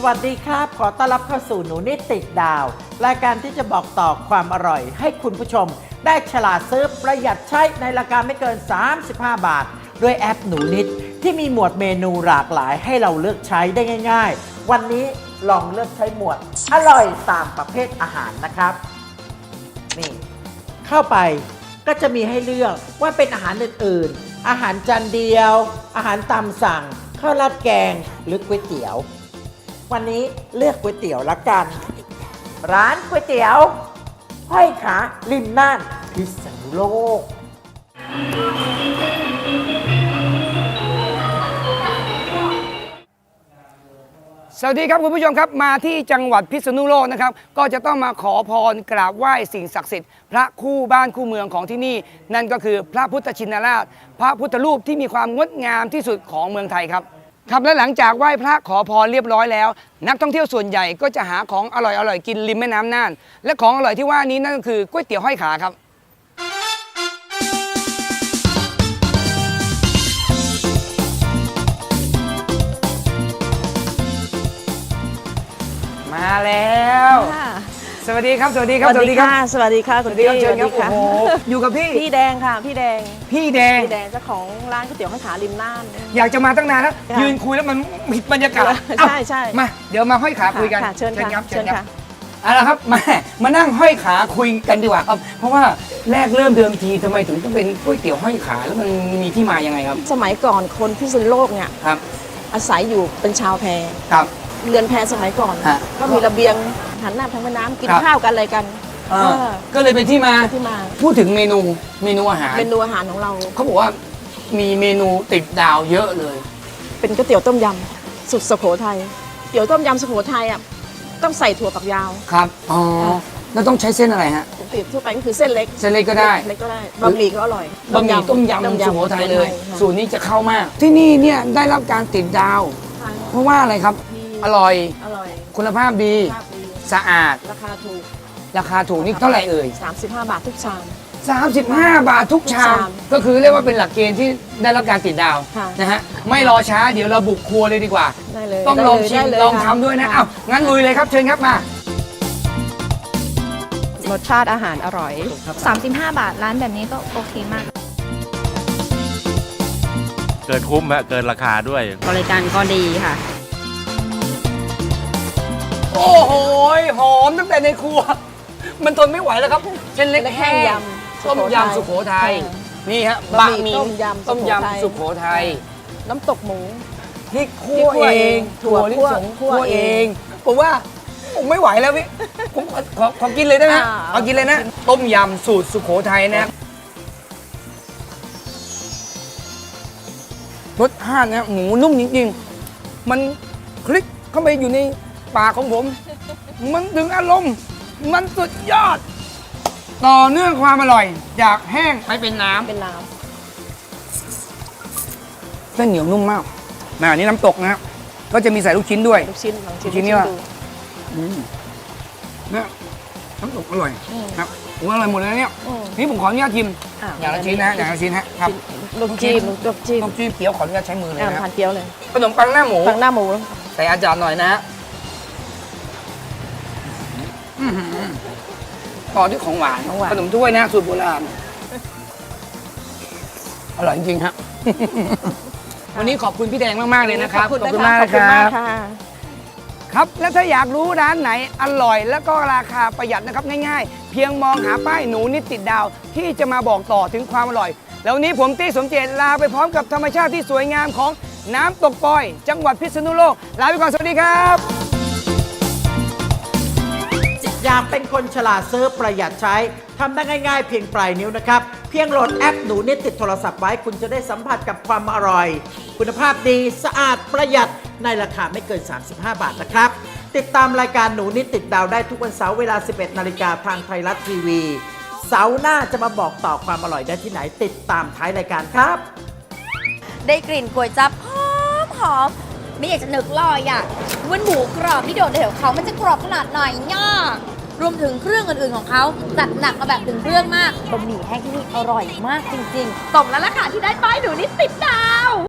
วัสดีครับขอต้อนรับเข้าสู่หนูนิดติดดาวรายการที่จะบอกต่อความอร่อยให้คุณผู้ชมได้ฉลาดซื้อประหยัดใช้ในราคาไม่เกิน35 บาทด้วยแอปหนูนิดที่มีหมวดเมนูหลากหลายให้เราเลือกใช้ได้ง่ายๆวันนี้ลองเลือกใช้หมวดอร่อยตามประเภทอาหารนะครับนี่เข้าไปก็จะมีให้เลือกว่าเป็นอาหารอื่นๆอาหารจานเดียวอาหารตามสั่งข้าวราดแกงหรือก๋วยเตี๋ยววันนี้เลือกก๋วยเตี๋ยวละกันร้านก๋วยเตี๋ยวห้อยขาริมน่านพิษณุโลกสวัสดีครับคุณผู้ชมครับมาที่จังหวัดพิษณุโลกนะครับก็จะต้องมาขอพรกราบไหว้สิ่งศักดิ์สิทธิ์พระคู่บ้านคู่เมืองของที่นี่นั่นก็คือพระพุทธชินราชพระพุทธรูปที่มีความงดงามที่สุดของเมืองไทยครับและหลังจากไหว้พระขอพรเรียบร้อยแล้วนักท่องเที่ยวส่วนใหญ่ก็จะหาของอร่อยๆกินริมแม่น้ำน่านและของอร่อยที่ว่านี้นั่นก็คือก๋วยเตี๋ยวห้อยขาครับมาแล้วสวัสดีครับสวัสดีครับสวัสดีค่ะสวัสดีค่ะคุณพี่เชิญครับโอ้โหอยู่กับพี่แดงค่ะพี่แดงเจ้าของร้านก๋วยเตี๋ยวห้อยขาริมน่านอยากจะมาตั้งนานแล้วยืนคุยแล้วมันผิดบรรยากาศใช่มาเดี๋ยวมาห้อยขาคุยกันเชิญครับเอาละครับมานั่งห้อยขาคุยกันดีกว่าครับเพราะว่าแรกเริ่มเดิมทีทำไมถึงต้องเป็นก๋วยเตี๋ยวห้อยขาแล้วมันมีที่มายังไงครับสมัยก่อนคนพิษณุโลกเนี่ยครับอาศัยอยู่เป็นชาวแพครับเรือนแพสมัยก่อนก็มีระเบียงหันหน้าทางแม่น้ำกินข้าวกันอะไรกันก็เลยเป็นที่มาพูดถึงเมนูอาหารของเราเขาบอกว่ามีเมนูติดดาวเยอะเลยเป็นก๋วยเตี๋ยวต้มยำสุดสุโขทัยเตี๋ยวต้มยำสุโขทัยอ่ะต้องใส่ถั่วฝักยาวครับอ๋อแล้วต้องใช้เส้นอะไรฮะปกติทั่วไปก็คือเส้นเล็กก็ได้บะหมี่ก็อร่อยบะหมี่ต้มยำสุโขทัยเลยสูตรนี้จะเข้ามากที่นี่เนี่ยได้รับการติดดาวเพราะว่าอะไรครับอร่อยคุณภาพดีสะอาดราคาถูกนี่เท่าไหร่เอ่ย 35 บาททุกชาม 35 บาททุกชามก็คือเรียกว่าเป็นหลักเกณฑ์ที่ได้รับการติดดาวนะฮะไม่รอช้าเดี๋ยวเราบุกครัวเลยดีกว่าต้องลองชิมลองทำด้วยนะอ้าวงั้นลุยเลยครับเชิญครับมารสชาติอาหารอร่อย35 บาทร้านแบบนี้ก็โอเคมากเกินคุ้มฮะเกินราคาด้วยบริการก็ดีค่ะโอ้โหหอมตั้งแต่ในครัวมันทนไม่ไหวแล้วครับเส้นเล็กแห้งต้มยำสุโขทัยนี่ฮะบะหมี่ต้มยำสุโขทัยน้ำตกหมูพริกคั่วเองถั่วลิสงคั่วเองผมว่าผมไม่ไหวแล้วพี่ผมขอกินเลยได้ไหมเอากินเลยนะต้มยำสูตรสุโขทัยนะรสชาตินะหมูนุ่มจริงๆมันคลิกเข้าไปอยู่ในปากของผมมันดึงอารมณ์มันสุดยอดต่อเนื่องความอร่อยจากแห้งไปเป็นน้ำเส้นเหนียวนุ่มมากอันนี้น้ำตกนะครับก็จะมีใส่ลูกชิ้นด้วยลูกชิ้นนี่ว่าเนี่ยน้ำตกอร่อยครับผมอร่อยหมดเลยเนี่ยนี่ผมขออนุญาตชิมอย่างละชิ้นนะครับลูกจิ้มเกี๊ยวขออนุญาตใช้มือเลยนะทานเกี๊ยวเลยขนมปังหน้าหมูใส่อาจารย์หน่อยนะต่อด้วยของหวานขนมถ้วยนะสูตรโบราณอร่อยจริงๆฮะวันนี้ขอบคุณพี่แดงมากๆเลยนะครับขอบคุณมากครับและถ้าอยากรู้ร้านไหนอร่อยแล้วก็ราคาประหยัดนะครับง่ายๆเพียงมองหาป้ายหนูนิดติดดาวที่จะมาบอกต่อถึงความอร่อยแล้ววันนี้ผมตี้สมเจตลาไปพร้อมกับธรรมชาติที่สวยงามของน้ำตกปอยจังหวัดพิษณุโลกลาไปก่อนสวัสดีครับอยากเป็นคนฉลาดซื้อประหยัดใช้ทำได้ง่ายๆเพียงปลายนิ้วนะครับเพียงโหลดแอปหนูนิดติดโทรศัพท์ไว้คุณจะได้สัมผัสกับความอร่อยคุณภาพดีสะอาดประหยัดในราคาไม่เกิน35 บาทนะครับติดตามรายการหนูนิดติดดาวได้ทุกวันเสาร์เวลา 11 นาฬิกาทางไทยรัฐทีวีเสาร์หน้าจะมาบอกต่อความอร่อยได้ที่ไหนติดตามท้ายรายการครับได้กลิ่นก๋วยจั๊บหอมไม่อยากจะนึกเลยอ่ะว่าหมูกรอบที่โดดเด่นของเขามันจะกรอบขนาดไหนเนี่ยรวมถึงเครื่องอื่นๆของเขาจัดหนักมาแบบถึงเครื่องมากบะหมี่แห้งที่นี่อร่อยมากจริงๆสมแล้วล่ะค่ะที่ได้ป้ายหนูนิดติดดาว